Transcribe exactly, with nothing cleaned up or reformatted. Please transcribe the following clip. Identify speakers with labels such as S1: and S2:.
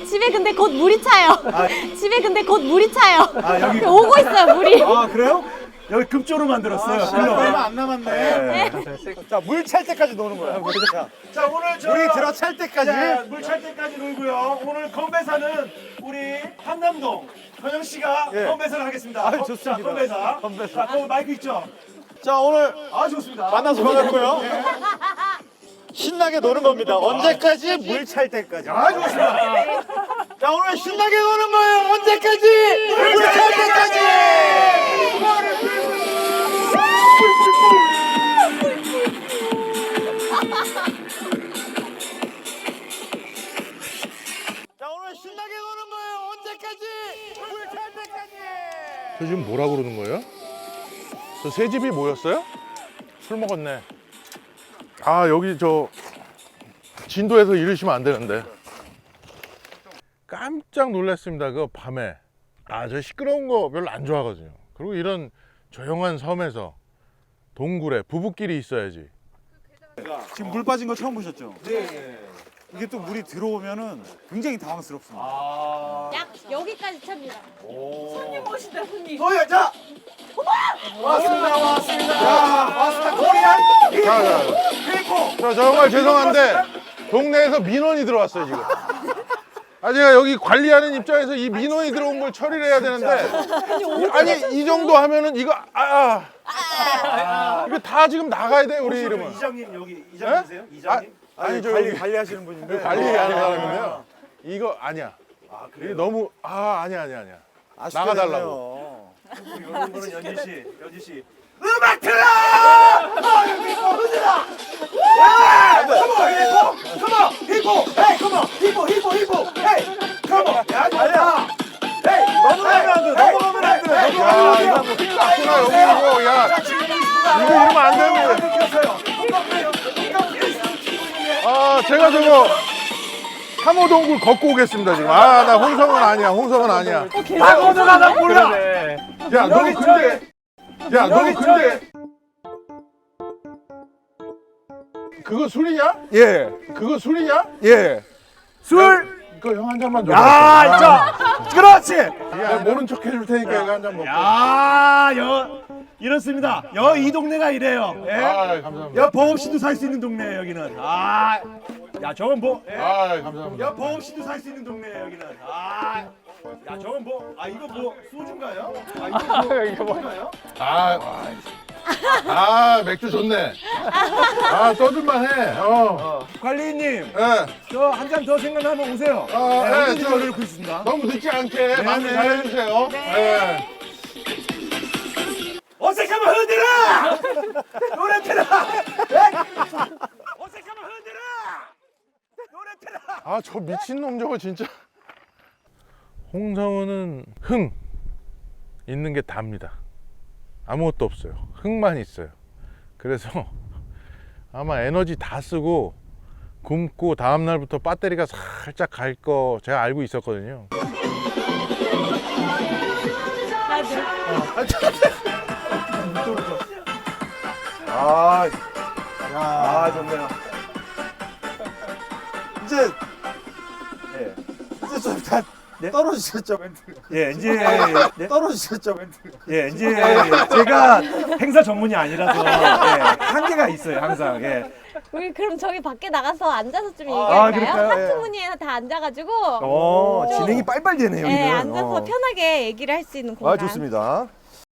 S1: 집에 근데 곧 물이 차요.
S2: 아.
S1: 집에 근데 곧 물이 차요.
S2: 아, 여기
S1: 오고 있어요, 물이.
S2: 아, 그래요? 여기 급조로 만들었어요.
S3: 아,
S2: 글로.
S3: 얼마 안 남았네.
S2: 자, 물 찰 때까지 노는 거야. 자, 자, 오늘 저
S3: 물이 들어 찰 때까지.
S2: 물 찰 때까지 놀고요. 오늘 건배사는 우리 한남동 건영 씨가
S3: 예.
S2: 건배사를 하겠습니다.
S3: 아,
S2: 건-
S3: 좋습니다.
S2: 자, 건배사.
S3: 건배사.
S2: 자, 거 마이크 있죠?
S3: 자, 오늘
S2: 아, 좋습니다.
S3: 만나서 반갑고요. 신나게 노는 겁니다. 언제까지? 물 찰 때까지.
S2: 아, 좋습니다.
S3: 자, 오늘 신나게 노는 거예요. 언제까지? 물 찰 때까지. 자, 오늘 신나게 노는 거예요. 언제까지? 물 찰 때까지.
S4: 저 지금 뭐라 그러는 거예요? 저 새 집이 모였어요? 술 먹었네. 아 여기 저 진도에서 이러시면 안 되는데. 깜짝 놀랐습니다. 그 밤에. 아 저 시끄러운 거 별로 안 좋아하거든요. 그리고 이런 조용한 섬에서 동굴에 부부끼리 있어야지.
S3: 지금 물 빠진 거 처음 보셨죠? 네. 이게 또 물이 들어오면은 굉장히 당황스럽습니다.
S1: 약 여기까지 찹니다.
S2: 소유, 자! 왔습니다, 왔습니다. 자, 왔습니다. 코리안
S4: 자, 자,
S2: 피코.
S4: 저 정말 죄송한데 동네에서 민원이 들어왔어요 지금. 아 제가 여기 관리하는 입장에서 이 민원이 들어온 걸 처리를 해야 되는데 아니 이 정도 하면은 이거 아, 아. 이거 다 지금 나가야 돼 우리 이름은.
S2: 이장님 여기 이장님이세요?
S4: 아,
S2: 이장님?
S4: 아니 저
S3: 관리
S4: 여기
S3: 관리하시는 분인데
S4: 관리하는 사람인데요. 이거 아니야. 이게 너무 아 아니야 아니야 아니야. 나가달라고.
S2: 이런 거는 연지 씨, 연지 씨. 음악 틀어! 아, 여기 있고, 흔들어! 야! 컴온, 히포! 컴온, 히포! 헤이, 컴온! 히포, 히포, 히포! 헤이! 컴온! 야, 좋다! 헤이!
S3: 넘어가면 안 돼. 넘어가면 안 돼.
S4: 야 이거 뭐 딱 여기 이거 야
S2: 자, 지금 보이십니까?
S4: 이거 이러면 안 되는 거예요.
S2: 켰어요. 똑같아요. 똑같아요.
S4: 아 제가 저거 삼호동굴 걷고 오겠습니다 지금. 아 나 홍성은 아니야. 홍성은 아니야.
S2: 박원호가 나 몰라!
S4: 야 너
S2: 여기
S4: 근데 야 너
S2: 여기
S4: 근데 그거 술이냐?
S3: 예.
S4: 그거 술이냐?
S3: 예.
S2: 술!
S4: 이거 형 한 잔만 줘.
S2: 야, 있죠? 그렇지!
S4: 야 모른 척 해줄 테니까 이거 한 잔 먹고.
S2: 야, 여, 이렇습니다. 여 이 동네가 이래요. 예?
S4: 아 감사합니다.
S2: 여 보험 씨도 살 수 있는 동네예요, 여기는. 아, 야, 저건 뭐? 예?
S4: 아 감사합니다.
S2: 여 보험 씨도 살 수 있는 동네예요, 여기는. 아, 야, 저건 뭐? 아, 이거 뭐 소주인가요? 아, 이거 뭐? 이거 뭐인가요?
S4: 아, 아 맥주 좋네. 아 떠들만 해. 어.
S2: 관리인님,
S4: 예.
S2: 저 한 잔 더 생각나면 오세요.
S4: 아,
S2: 네,
S4: 네,
S2: 언제든지
S4: 저-
S2: 열려놓고 있습니다.
S4: 너무 늦지 않게 마무리
S2: 네.
S4: 잘 해주세요. 네.
S2: 어색하면 흔들어! 노래 틀어! 예? 어색하면 흔들어! 노래 틀어!
S4: 아 저 미친놈 저거 진짜. 홍성우는 흥 있는 게 답니다. 아무것도 없어요. 흥만 있어요. 그래서 아마 에너지 다 쓰고 굶고 다음 날부터 배터리가 살짝 갈 거 제가 알고 있었거든요.
S2: 아, 아, 좋네요.
S3: 이제
S2: 예.
S3: 이제 좀 다
S2: 네?
S3: 떨어지셨죠 멘트.
S2: 예, 이제 네?
S3: 떨어지셨죠 멘트.
S2: 예, 이제 제가 행사 전문이 아니라서 예, 한계가 있어요, 항상. 예.
S1: 우리 그럼 저기 밖에 나가서 앉아서 좀
S2: 아,
S1: 얘기할까요?
S2: 그럴까요? 예.
S1: 하트무늬에 다 앉아가지고
S2: 어,
S1: 좀-
S2: 진행이 빨빨 되네요,
S1: 네,
S2: 여기는.
S1: 앉아서
S2: 어.
S1: 편하게 얘기를 할 수 있는 공간.
S2: 아, 좋습니다.